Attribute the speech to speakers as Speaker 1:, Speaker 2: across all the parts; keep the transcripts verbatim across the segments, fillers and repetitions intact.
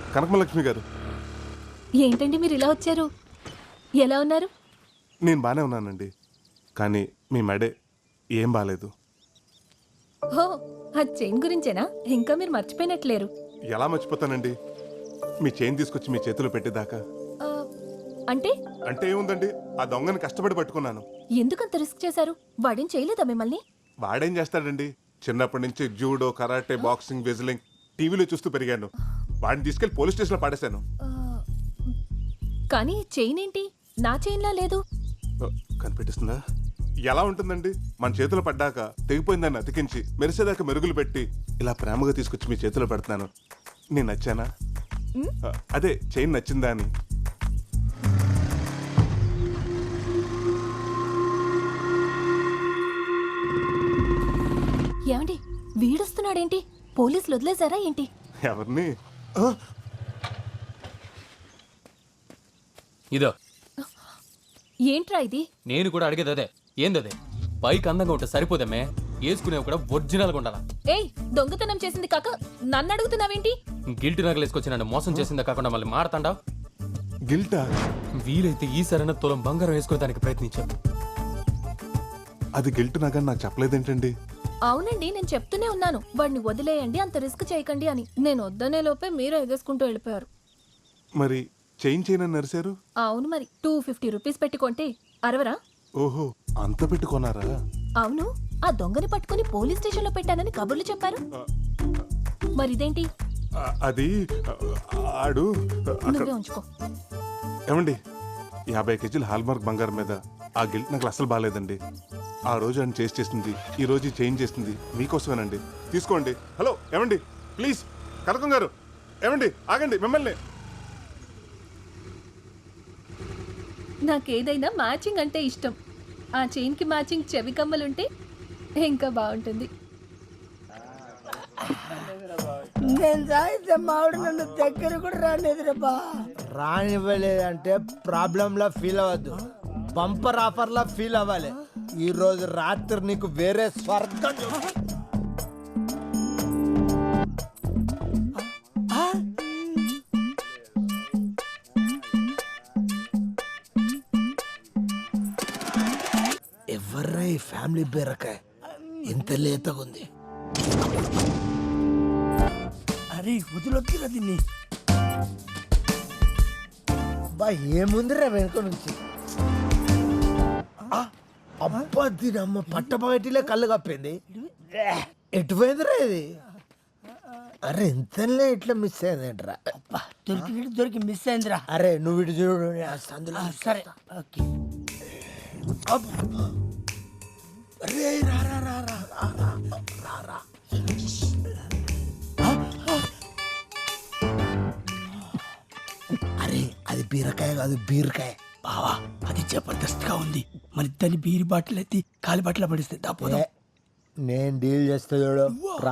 Speaker 1: కనకమలక్ష్మి గారు.
Speaker 2: ఏంటండి మీరు ఇలా వచ్చారు? ఎలా ఉన్నారు?
Speaker 1: నేను బాగానే ఉన్నానండి, కానీ మీ మెడే ఏం బాలేదు.
Speaker 2: హో, ఆ చైన్ గురించేనా? ఇంకా మీరు మర్చిపోయినట్లేరు.
Speaker 1: ఎలా మర్చిపోతానండి, మీ చైన్ తీసుకొచ్చి మీ చేతిలో పెట్టేదాకా.
Speaker 2: ఆ, అంటే
Speaker 1: అంటే ఏముందండి, ఆ దొంగని కష్టపడి పట్టుకున్నాను.
Speaker 2: ఎందుకంత రిస్క్ చేశారు? వాడేం చేయలేదా మిమ్మల్ని?
Speaker 1: వాడేం చేస్తాడండి, చిన్నప్పటి నుంచి జూడో, కరాటే, బాక్సింగ్, వెజ్లింగ్ టీవీలో చూస్తూ పెరిగాను. వాడిని తీసుకెళ్లి పోలీస్ స్టేషన్లో పాడేశాను.
Speaker 2: ఆ, కానీ చైన్ ఏంటి నా చైన్లా లేదు?
Speaker 1: ఓ, కనిపెట్టిస్తుందా? ఎలా ఉంటుందండి, మన చేతిలో పడ్డాక తెగిపోయిందాన్ని అతికించి మెరిసేదాకా మెరుగులు పెట్టి ఇలా ప్రేమగా తీసుకొచ్చి మీ చేతిలో పెడుతున్నాను. నేను నచ్చానా? ఆ, అదే చైన్ నచ్చిందా అని.
Speaker 2: ఏమండి వీడొస్తున్నాడేంటి? పోలీసులు వదిలేశారా ఏంటి?
Speaker 1: ఎవరిని?
Speaker 3: ఇదో
Speaker 2: ఏంట్రా ఇది?
Speaker 3: నేను కూడా అడిగేది అదే. ఏందదే? పైకి అందంగా ఉంటే సరిపోదమ్మే, వేసుకునేవి కూడా ఒరిజినల్గా ఉండాలా.
Speaker 2: ఏయ్, దొంగతనం చేసింది కాక నన్ను అడుగుతున్నావేంటి?
Speaker 3: గిల్ట్ నగలు వేసుకొచ్చి నన్ను మోసం చేసిందే కాకుండా మళ్ళీ మాడతాండా?
Speaker 1: గిల్టా?
Speaker 3: వీలైతే ఈ సరైన తులం బంగారం వేసుకునే దానికి ప్రయత్నించాను.
Speaker 1: అది గిల్ట్ నాకని నాకు చెప్పలేదేంటండి?
Speaker 2: అవునండి, నేను చెప్తూనే ఉన్నాను వాడిని వదిలేయండి, అంత రిస్క్ చేయకండి అని. నేను వద్దనే లోపే మీరు ఎగేసుకుంటూ వెళ్ళిపోయారు.
Speaker 1: మరి చైన్ చైన్ అని నరిశారు?
Speaker 2: అవును, మరి టూ ఫిఫ్టీ రూపీస్ పెట్టుకుంటే అరవరా?
Speaker 1: ఓహో, అంత పెట్టుకున్నారా?
Speaker 2: అవును, ఆ దొంగని పట్టుకుని పోలీస్ స్టేషన్ లో పెట్టానని కబుర్లు చెప్పారు. మరి ఇదేంటి?
Speaker 1: ఆ, అది ఆ, ఆడు అక్కడ-
Speaker 2: నువ్వే ఉంచుకో.
Speaker 1: ఏమండి, యాభై కేజీల హాల్మార్క్ బంగారం మీద ఆ గిల్ట్ నాకు అసలు బాగాలేదండి. ఆ రోజు ఆయన చేసి చేసింది, ఈ రోజు చేంజ్ చేసింది మీకోసమేనండి. తీసుకోండి. హలో ఏమండి, ప్లీజ్. కనకం గారు, ఏమండి ఆగండి, మిమ్మల్ని.
Speaker 2: నాకేదైనా మ్యాచింగ్ అంటే ఇష్టం. ఆ చైన్ కి మ్యాచింగ్ చెవి కమ్మలుంటే ఇంకా బాగుంటుంది.
Speaker 4: నేను తాగితే మావిడ నన్ను దగ్గర కూడా రానిదిరబ్బా.
Speaker 5: రానివ్వలేదంటే ప్రాబ్లంలా ఫీల్ అవ్వద్దు, బంపర్ ఆఫర్లా ఫీల్ అవ్వాలి. ఈ రోజు రాత్రి నీకు వేరే స్వర్గం చూ- ఎవర్రా ఈ ఫ్యామిలీ బీరకాయ ఇంత లేతగా ఉంది?
Speaker 4: అరే వదిలొక్కిరా దీన్ని.
Speaker 5: బా ఏముందిరా వెనుక నుంచి? అబ్బా దీనమ్మ పట్టపగటిలే కళ్ళు కప్పింది. ఎటుపోయిందిరా ఇది? అరే ఇంతలే ఇట్లా మిస్ అయిందేంట్రా?
Speaker 4: దొరికినట్టు దొరికి మిస్ అయిందిరా.
Speaker 5: అరే నువ్వు ఇటు చూడు, నేను ఆ సందులో
Speaker 4: ఆ, సరే ఓకే.
Speaker 5: అరే రా రా రా రా రా రా రా. అరే అది బీరకాయ కాదు, బీరకాయ.
Speaker 4: బావా అది జబర్దస్త్ గా ఉంది. మన ఇద్దరిని బీరి బాటిల్ ఎత్తి కాలి బాటిల్ పడిస్తే దాపోదాం.
Speaker 5: నేను డీల్ చేస్తా చూడు, రా.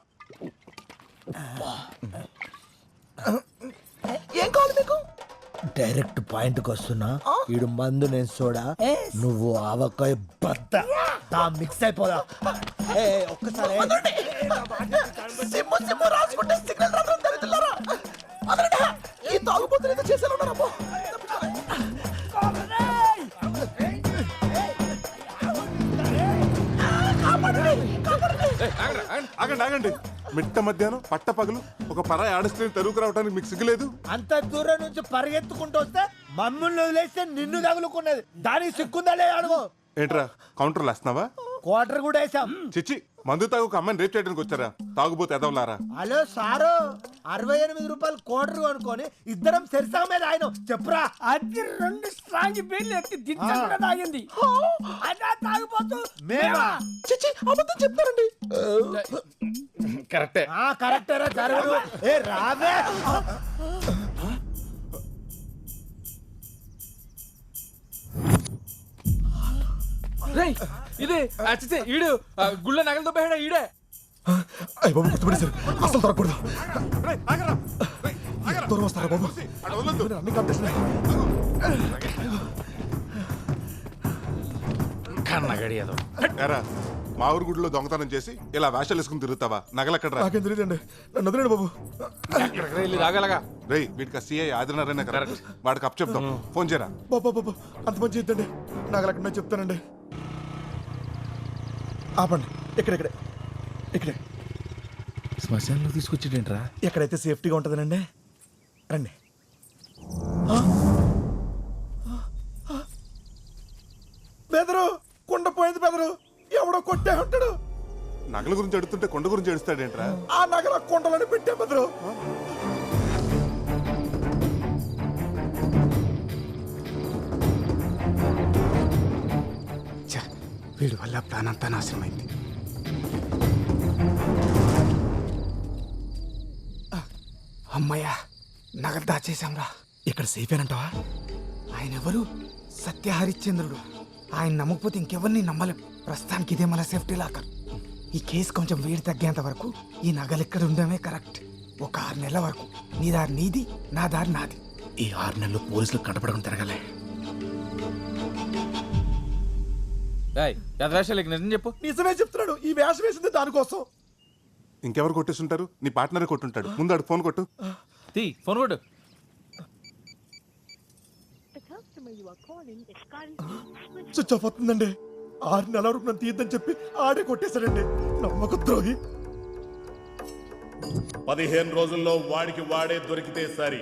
Speaker 4: ఏం కావాలి మీకు?
Speaker 5: డైరెక్ట్ పాయింట్ కి వస్తున్నా. ఈడు మందు, నేను సోడా, నువ్వు ఆవకాయ బద్ద. దా మిక్స్ అయిపోదా. ఏ, ఒక్కసారి
Speaker 1: ఆగండి ఆగండి, మిట్ట మధ్యాహ్నం పట్ట పగలు ఒక పరాయి ఆడస్త్రీని తరువుకు రావడానికి మీకు సిగ్గులేదు?
Speaker 5: అంత దూరం నుంచి పరిగెత్తుకుంటూ వస్తే మమ్మల్ని వదిలేస్తే నిన్ను తగులుకున్నది. దానికి సిక్కుందా లేదా అడుగు.
Speaker 1: ఏంట్రా కౌంటర్లు వేస్తున్నావా?
Speaker 5: క్వార్టర్ కూడా వేసాం.
Speaker 1: చిచ్చి, మందు తాగు ఒక అమ్మాయిని రేప్ చేయడానికి వచ్చారా? తాగుబోతే ఎదవలారా.
Speaker 5: హలో సారు, అరవై ఎనిమిది రూపాయలు క్వార్టర్ అనుకొని ఇద్దరం సెరిసా మీద ఆయన చెప్పురా.
Speaker 4: అది రెండు స్ట్రాంగ్ బీర్లు ఎత్తి దించకుండా తాగింది. అదా తాగిపోతూ
Speaker 5: మేమా?
Speaker 4: చిచి అబద్ధం చెప్తారండి.
Speaker 3: కరెక్టే.
Speaker 5: ఆ కరెక్టరా జరగదు. ఏ రావే.
Speaker 3: రేయ్, ఇదే అచ్చితే ఈడు గుళ్ళ నగలతో పోయాడా ఈడే?
Speaker 6: అయ్య బాబు గుర్తుపడేశారు, అసలు దొరకకూడదు.
Speaker 1: రేయ్, ఆగరా. రేయ్, ఆగరా.
Speaker 6: దూరం వస్తారా బాబు?
Speaker 1: అక్కడ వదలొద్దు.
Speaker 6: అన్ని కాంపిటీషన్.
Speaker 3: కన్నగడి ఏదో
Speaker 1: ఎరా, మా ఊరు గుడిలో దొంగతనం చేసి ఇలా వేషాలు వేసుకుని తిరుగుతావా? నగలెక్కడరా?
Speaker 6: నాకేం తెలియదండి నన్ను వదిలేండి బాబు.
Speaker 3: రాగలగా
Speaker 1: రేయ్ వీటికి సీఐ ఆదినారాయణ కరెక్ట్. వాడికి అప్ చెప్తాం. ఫోన్ చేయరా.
Speaker 6: బాబా బాబా అంత మంచి ఇద్దండి. నగలెక్కడ చెప్తానండి. ఆపండి. ఇక్కడెక్కడే ఇక్కడే
Speaker 7: శ్మశానంలో తీసుకొచ్చేటేంట్రా?
Speaker 6: ఎక్కడైతే సేఫ్టీగా ఉంటుందనండి. రండి. బెదరు కుండ పోయింది బెదరు. ఎవడో కొట్టే ఉంటాడు.
Speaker 1: నగల గురించి అడుగుతుంటే కొండ గురించి అడుస్తాడేంట్రా?
Speaker 6: ఆ నగల కుండలని పెట్టే బెదరు.
Speaker 7: వీడి వల్ల ప్లాన్ అంతా నాశనమైంది. అమ్మయ్యా నగలు దాచేశాంరా.
Speaker 6: ఇక్కడ సేఫ్ ఏనంటావా?
Speaker 7: ఆయన ఎవరు? సత్య హరిశ్చంద్రుడు. ఆయన నమ్మకపోతే ఇంకెవరిని నమ్మలేం. ప్రస్తుతానికి ఇదే మన సేఫ్టీ లాకర్. ఈ కేసు కొంచెం వేడి తగ్గేంత వరకు ఈ నగలు ఇక్కడ ఉండడమే కరెక్ట్. ఒక ఆరు నెలల వరకు నీ దారి నీది, నా దారి నాది.
Speaker 6: ఈ ఆరు నెలలు పోలీసులు కనపడకుండా తిరగలే.
Speaker 3: నిజం చెప్పు.
Speaker 6: నిజమే చెప్తున్నాడు. ఈ వేషం వేసింది దానికోసం.
Speaker 1: ఇంకెవరు కొట్టేస్తుంటారు? నీ పార్ట్నరే కొట్టుంటాడు. ముందు అడు ఫోన్ కొట్టు.
Speaker 3: తీ ఫోన్ కొట్టు.
Speaker 6: స్విచ్ ఆఫ్ అవుతుందండి. ఆరు నెలల వరకు నన్ను తీయద్దని చెప్పి ఆడే కొట్టేశాడండి. నమ్మక ద్రోహి.
Speaker 8: పదిహేను రోజుల్లో వాడికి వాడే దొరికితే సరి.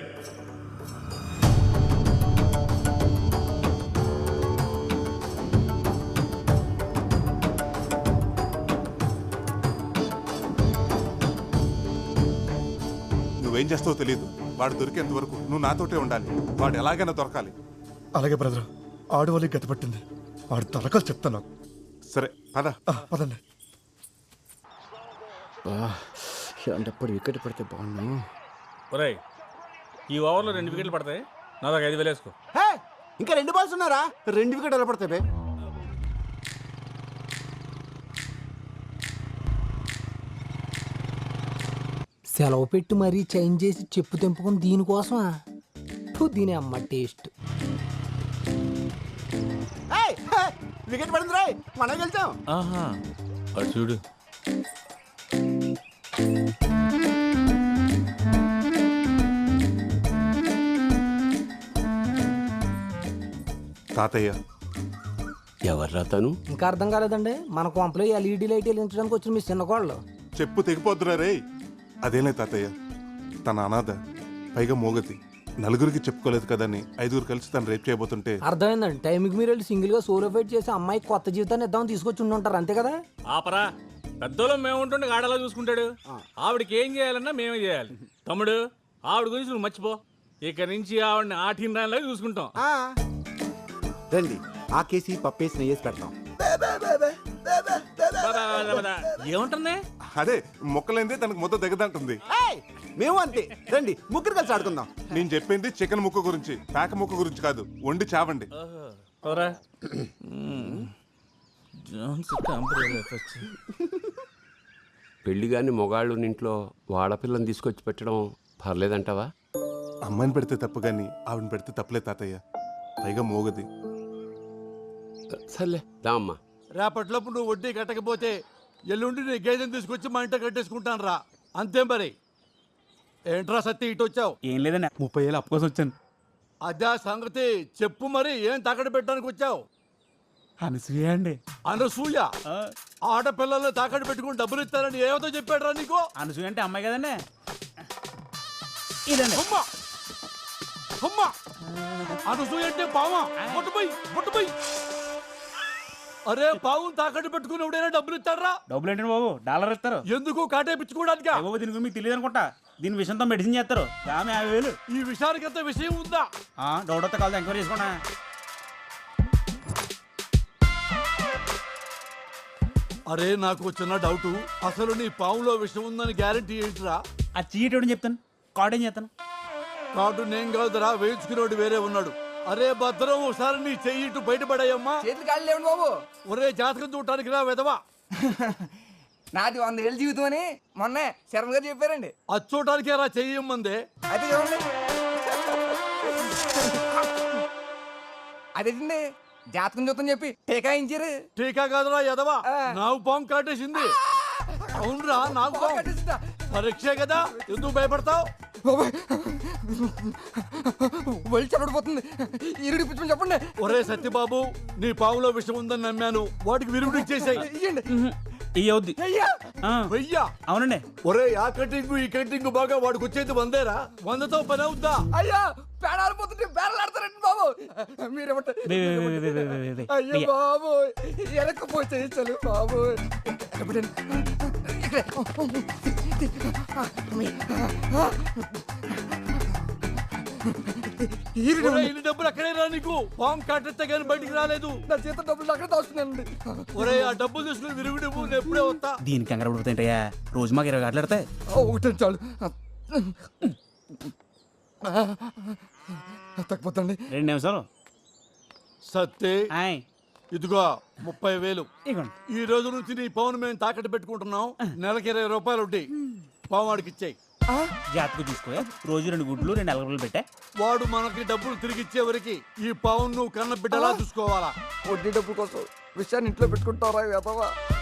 Speaker 1: నువ్వేం చేస్తావో తెలియదు. వాడు దొరికేంత వరకు నువ్వు నాతోటే ఉండాలి. వాడు ఎలాగైనా దొరకాలి.
Speaker 6: అలాగే బ్రదర్. ఆడు వాళ్ళకి గతి పట్టింది. ఆడు తలకాలు చెప్తాను నాకు.
Speaker 1: సరే పద.
Speaker 6: ఆ, పదండి.
Speaker 7: ఎప్పుడు వికెట్ పడితే బాగున్నాను.
Speaker 9: ఒరేయ్ ఈ ఓవర్లో రెండు వికెట్లు పడతాయి. నా దాకా ఐదు వేలు వేసుకో.
Speaker 7: ఇంకా రెండు బాల్స్ ఉన్నారా? రెండు వికెట్ ఎలా పడతాయి?
Speaker 10: సెలవు పెట్టి మరీ చేంజ్ చేసి చెప్పు తెంపుకుని దీనికోసమా? ఫు, దీని అమ్మ టేస్ట్.
Speaker 7: వికెట్ పడింది రాయ్, మనం గెలిచాం.
Speaker 9: ఆహా అటు చూడు.
Speaker 1: తాతయ్య
Speaker 7: ఎవర్రా తను?
Speaker 10: ఇంకా అర్థం కాలేదండి. మన కొంపలో ఎల్ఈడి లైట్ వెలిగించడానికి వచ్చిన మీ చిన్న కోళ్ళు.
Speaker 1: చెప్పు తెగిపోద్దురా రే. అదేలే తాతయ్య, తన అనాథ, పైగా మోగతి, నలుగురికి చెప్పుకోలేదు కదని ఐదుగురు కలిసి తను రేప్ చేయబోతుంటే.
Speaker 10: అర్థమైందండి. టైంకి మీరు వెళ్ళి సింగిల్ గా సోలో ఫైట్ చేసి అమ్మాయికి కొత్త జీవితాన్ని ఇద్దామని తీసుకొచ్చి ఉండుంటారు. అంతే కదా?
Speaker 9: ఆపరా. పెద్దోళ్ళం మేము ఉంటుండే ఆడలా చూసుకుంటాడు. ఆవిడకి ఏం చేయాలన్నా మేమే చేయాలి. తమ్ముడు ఆవిడ గురించి నువ్వు మర్చిపో. ఇక నుంచి ఆవిడని ఆటిన దానిలాగా చూసుకుంటాం.
Speaker 7: రండి ఆ కేసి పప్పేసి నెయ్యేసి పెడతాం.
Speaker 9: ఏముంటుంది?
Speaker 1: అదే మొక్కలైందే తనకు మొత్తం దిగదంటుంది.
Speaker 7: మేము అంతే. రండి ముగ్గురు కలిసి ఆడుకుందాం.
Speaker 1: నేను చెప్పింది చికెన్ ముక్క గురించి, పేక ముక్క గురించి కాదు. వండి చావండి.
Speaker 11: పెళ్లి గాని మొగాళ్ళు ఇంట్లో వాడపిల్లని తీసుకొచ్చి పెట్టడం పర్లేదంటావా?
Speaker 1: అమ్మాయిని పెడితే తప్పు గాని ఆవిడని పెడితే తప్పులే తాతయ్య. పైగా మోగది.
Speaker 11: సర్లే దా అమ్మా.
Speaker 5: రేపట్లోపు నువ్వు వడ్డీ కట్టకపోతే ఎల్లుండి నీ గేదెని తీసుకొచ్చి మా ఇంట కట్టేసుకుంటాను రా. అంతే మరి. ఏంట్రా సత్తి ఇటు వచ్చావు?
Speaker 9: ఏం లేదండి, ముప్పై ఏళ్ళు అప్పు కోసం వచ్చాను.
Speaker 5: అదే సంగతి చెప్పు. మరి ఏం తాకట్టు పెట్టడానికి వచ్చావు?
Speaker 9: అనసూయ అండి.
Speaker 5: అనసూయ? ఆడపిల్లల్ని తాకట్టు పెట్టుకుని డబ్బులు ఇస్తారని ఏమతో చెప్పాడు రా నీకు?
Speaker 9: అనసూయ అంటే అమ్మాయి కదండి. ఇదండి.
Speaker 5: అమ్మా అమ్మా అనసూయ అంటే పావా? పొట్టుపోయి పొట్టుపోయి. అరే పావు తాకట్టు పెట్టుకుని ఎవడైనా డబ్బులు ఇస్తారా?
Speaker 9: డబ్బులు ఏంటండి బాబు, డాలర్ ఇస్తారు.
Speaker 5: ఎందుకు కాటేపించుకోవడానికి?
Speaker 9: బాబు దీని గురించి మీకు తెలియదు అనుకుంటా. దీని విషయంతో మెడిసిన్ చేస్తారు. ఆమె యాభై వేలు.
Speaker 5: ఈ విషయానికి అంత విషయం ఉందా?
Speaker 9: డౌట్ వస్తే కాదు, ఎంక్వైరీ చేసుకోండి.
Speaker 5: అరే నాకు చిన్న డౌట్. అసలు నీ పావులో విషయం ఉందని గ్యారంటీ ఏంటిరా?
Speaker 9: ఆ చీటి చెప్తాను, కార్డు ఏం చేస్తాను.
Speaker 5: కార్డు నేను కాదురా, వేయించుకునేవాడు వేరే ఉన్నాడు. అరే భద్రం, ఒకసారి నీ చెయ్యి ఇటు బయటపడాయమ్మా.
Speaker 10: చేతులు కాళ్ళు లేవండి బాబు.
Speaker 5: ఒరే జాతకం చూడటానికి రా వెదవా.
Speaker 10: నాది వంద ఏళ్ళ జీవితం అని మొన్న శర్మ గారు చెప్పారండి.
Speaker 5: అది చూడటానికే రా చెయ్యమ్మందే.
Speaker 10: అయితే చూడండి. అదేండి
Speaker 7: జాతకం చూద్దాం చెప్పి టీకాయించారు.
Speaker 5: టీకా కాదురా ఎదవా, నాకు పాము కాటేసింది. అవునరా, నాకు పాము పరీక్షే కదా, ఎందుకు భయపడతావు?
Speaker 7: వెళ్ళి చెప్పడిపోతుంది. ఈరుడి పిచ్చమని చెప్పండి.
Speaker 5: ఒరే సత్యబాబు, నీ పాములో విషం ఉందని నమ్మాను, వాటికి విరుగుడు ఇచ్చేసాయి.
Speaker 9: ఇయ్యవుద్ది.
Speaker 5: వెయ్యా?
Speaker 9: అవునండి.
Speaker 5: ఒరే ఆ కటింగ్ ఈ కటింగ్ బాగా వాడికి వచ్చేది వందేరా, వందతో పని అవుద్దా?
Speaker 7: అయ్యా పేడాలిపోతుంటే బేరలాడతారండి బాబు. మీరేమంటారు? అయ్యో బాబు, వెనక్కిపోతే చలు బాబు.
Speaker 5: ఒరే, ఇన్ని డబ్బులు అక్కడే రా, నీకు పాము కాటెత్తే కానీ బయటికి రాలేదు.
Speaker 7: నా చేత డబ్బులు అక్కడ దాస్తున్నానండి.
Speaker 5: ఒరే ఆ డబ్బులు తీసుకుని విరుగుడు నేను ఎప్పుడే వస్తా.
Speaker 9: దీనికి కంగారు పడిపోతాయంటయ్యా, రోజు మాకు ఇరవై గంటలు ఎడతాయి.
Speaker 7: ఒకటే చాలు. తగ్గిపోతండి.
Speaker 9: రెండు నిమిషాలు.
Speaker 5: సత్తే,
Speaker 9: ఆయ్
Speaker 5: ఇదిగో ముప్పై వేలు.
Speaker 9: ఇగోండి.
Speaker 5: ఈ రోజు నుంచి నీ పవన్ మేము తాకట్టు పెట్టుకుంటున్నాం. నెలకి ఇరవై రూపాయలు ఉంటాయి. పావు వాడికి ఇచ్చాయి.
Speaker 9: జాతకు తీసుకో, రోజు రెండు గుడ్లు రెండు అలగలు పెట్టా.
Speaker 5: వాడు మనకి డబ్బులు తిరిగి ఇచ్చేవరికి ఈ పవన్ నువ్వు కన్న బిడ్డలా చూసుకోవాలా.
Speaker 7: వడ్డీ డబ్బుల కోసం విషయాన్ని ఇంట్లో పెట్టుకుంటారా వెధవా?